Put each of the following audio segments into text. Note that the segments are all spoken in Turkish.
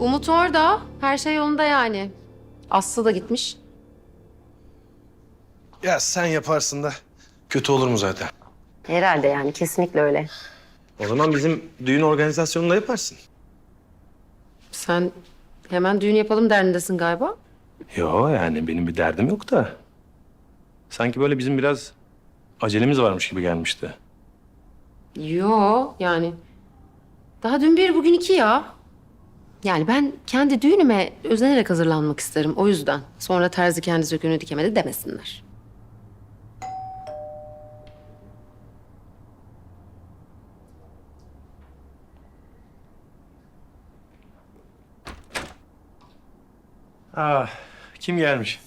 Umut orada. Her şey yolunda yani. Aslı da gitmiş. Ya sen yaparsın da kötü olur mu zaten? Herhalde yani kesinlikle öyle. O zaman bizim düğün organizasyonunu da yaparsın. Sen hemen düğün yapalım derdindesin galiba. Yo yani benim bir derdim yok da. Sanki böyle bizim biraz acelemiz varmış gibi gelmişti. Yo yani. Daha dün bir bugün iki ya. Yani ben kendi düğünüme özenerek hazırlanmak isterim o yüzden. Sonra terzi kendi söküğünü dikemedi demesinler. Ah, kim gelmiş?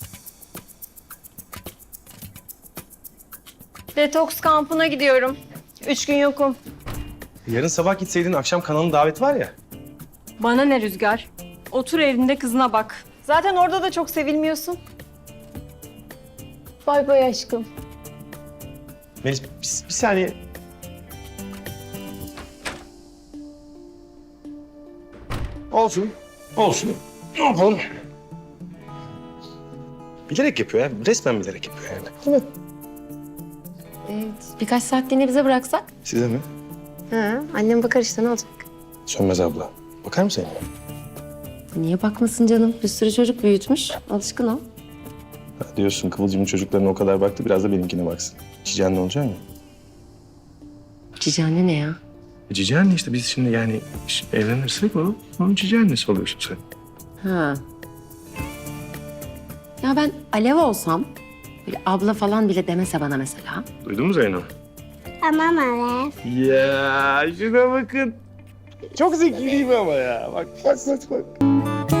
Detoks kampına gidiyorum. 3 gün yokum. Yarın sabah gitseydin akşam kanalın daveti var ya. Bana ne Rüzgar? Otur evinde kızına bak. Zaten orada da çok sevilmiyorsun. Bay bay aşkım. Melis bir saniye. Olsun. Olsun. Ne yapalım? Bilerek yapıyor ya. Resmen bilerek yapıyor yani. Değil mi? Birkaç saatliğine bize bıraksak. Size mi? Ha, annem bakar işte ne olacak? Sönmez abla. Bakar mısın? Niye bakmasın canım? Bir sürü çocuk büyütmüş. Alışkın o. Ha, diyorsun Kıvılcım'ın çocuklarına o kadar baktı. Biraz da benimkine baksın. Cici anne olacak mı? Cici anne ne ya? Cici anne işte biz şimdi yani evlenirsek onun cici annesi oluyorsun sen. Ha. Ya ben Alev olsam, böyle abla falan bile demese bana mesela. Duydun mu Zeyno? Tamam Alev. Ya şuna bakın. Çok zeki değil mi ama ya? Bak.